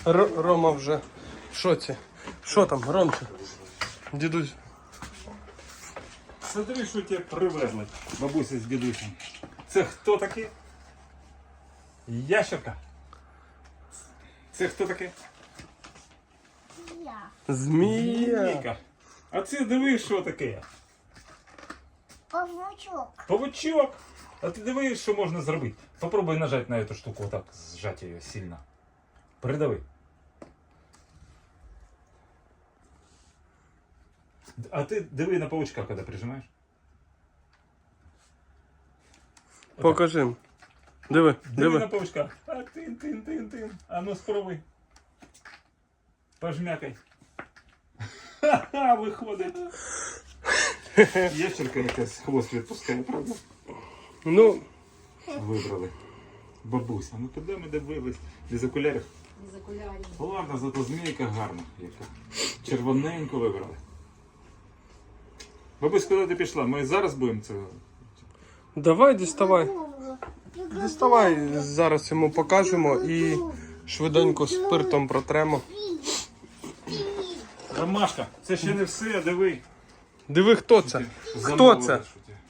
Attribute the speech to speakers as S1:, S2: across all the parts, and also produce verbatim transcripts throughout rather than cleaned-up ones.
S1: Р Рома вже в шоці. Що там, Ромчик? Дідусь.
S2: Смотри, що тебе привезли, бабуся з дідусем. Це хто таке? Ящерка. Це хто таке?
S3: Я.
S1: Змія.
S2: Змійка. А це диви, що таке?
S3: Павучок.
S2: Павучок. А ти диви, що можна зробити. Попробуй нажати на эту штуку, отак, сжать її сильно. Придави. А ти диви на паучка, коли прижимаєш.
S1: Покажи. Диви,
S2: Диви на
S1: диви.
S2: паучка. А тин, тин, тин, тин. А ну спробуй. Пожмякай. Ха-ха, виходить. Ящерка якась хвост відпускає, правда?
S1: Ну,
S2: Вибрали. Бабуся, ну куди ми дивились? Без окулярів?
S4: Без окулярів.
S2: Ладно, зато змійка гарна. Яка. Червоненьку вибрали. Бабусь, куди ти пішла? Ми зараз будемо це.
S1: давай діставай. Діставай, зараз йому покажемо і швиденько спиртом протремо.
S2: Ромашка, це ще не все, диви.
S1: Диви, хто це? Хто
S2: Замовили,
S1: це?
S2: що ти.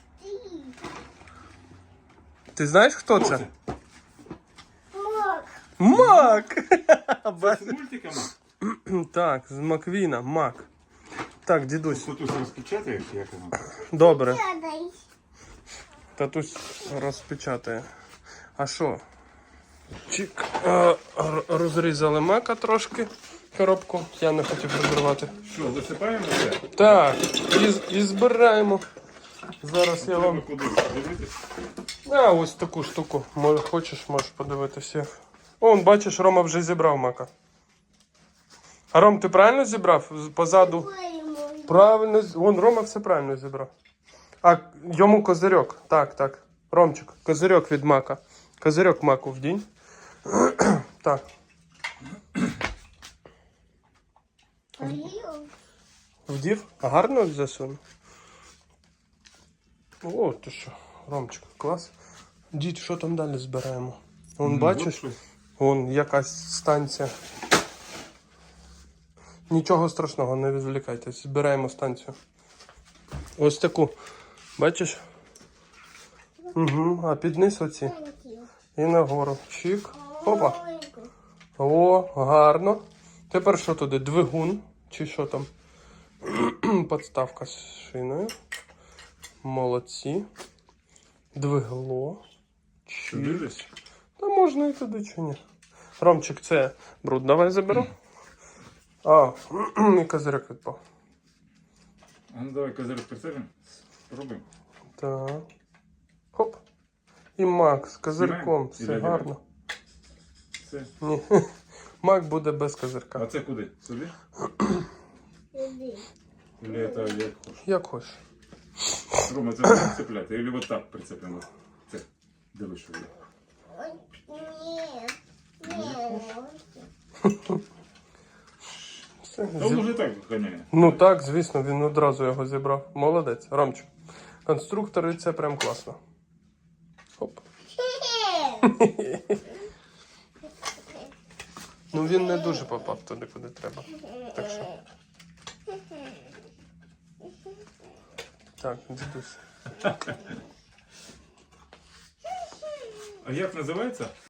S1: Ти знаєш, хто
S2: Хто
S1: це?
S2: це?
S3: Мак.
S1: Мак!
S2: Це з мультиками?
S1: Так, з Маквіна, Мак. Так, дідусь,
S2: Тут розпечатаєш, як воно?
S1: добре.
S3: Сядай.
S1: Татусь розпечатає. А що? Чик. Е, р- Розрізали мака трошки. Коробку. Я не хотів розривати.
S2: Що, засипаємо це?
S1: Так, і, і збираємо. Зараз я
S2: Треба
S1: вам.
S2: куди дивитись?
S1: А, ось таку штуку. Може, хочеш, можеш подивитися. О, бачиш, Рома вже зібрав мака. А Ром, ти правильно зібрав? З- Позаду. Правильно. з- Вон, Рома все правильно зібрав. А йому козирьок. Так, так. Ромчик, козирьок від мака. Козирьок маку вдінь. Так. Вдів? Гарно засунув? О, ти що, Ромчик, клас. Дід, що там далі збираємо? Вон,
S2: Ну,
S1: бачиш?
S2: от щось.
S1: Вон якась станція. Нічого страшного, не відволікайтесь. Збираємо станцію. Ось таку. Бачиш? Угу. А під низ оці. І нагору. Чик. Опа. О, гарно. Тепер що туди? Двигун? Чи що там? Подставка з шиною. Молодці. Двигло.
S2: Туди
S1: Чик.
S2: десь?
S1: Та можна і туди чи ні. Ромчик, це бруд давай заберу. А, і козирьок відпав.
S2: А ну давай козирок прицепимо. Спробуємо.
S1: Так. Хоп. І Мак з козирком.
S2: Знімаємо?
S1: Все
S2: Іде,
S1: гарно.
S2: Все.
S1: Ні. Мак буде без козирка.
S2: А це куди? Сюди? Или це як хочеш?
S1: Як хочеш.
S2: Рома, це не прицепляти. Или вот так прицепимо. Це. Дивись, що буде.
S3: Ні. Ні.
S1: Все.
S2: Та він уже так ганяє.
S1: Ну так, звісно, він одразу його зібрав. Молодець. Ромчик. Конструктори це прям класно. Хоп. Ну він не дуже попав туди, куди треба. Так що. Так, дідусь.
S2: А як називається?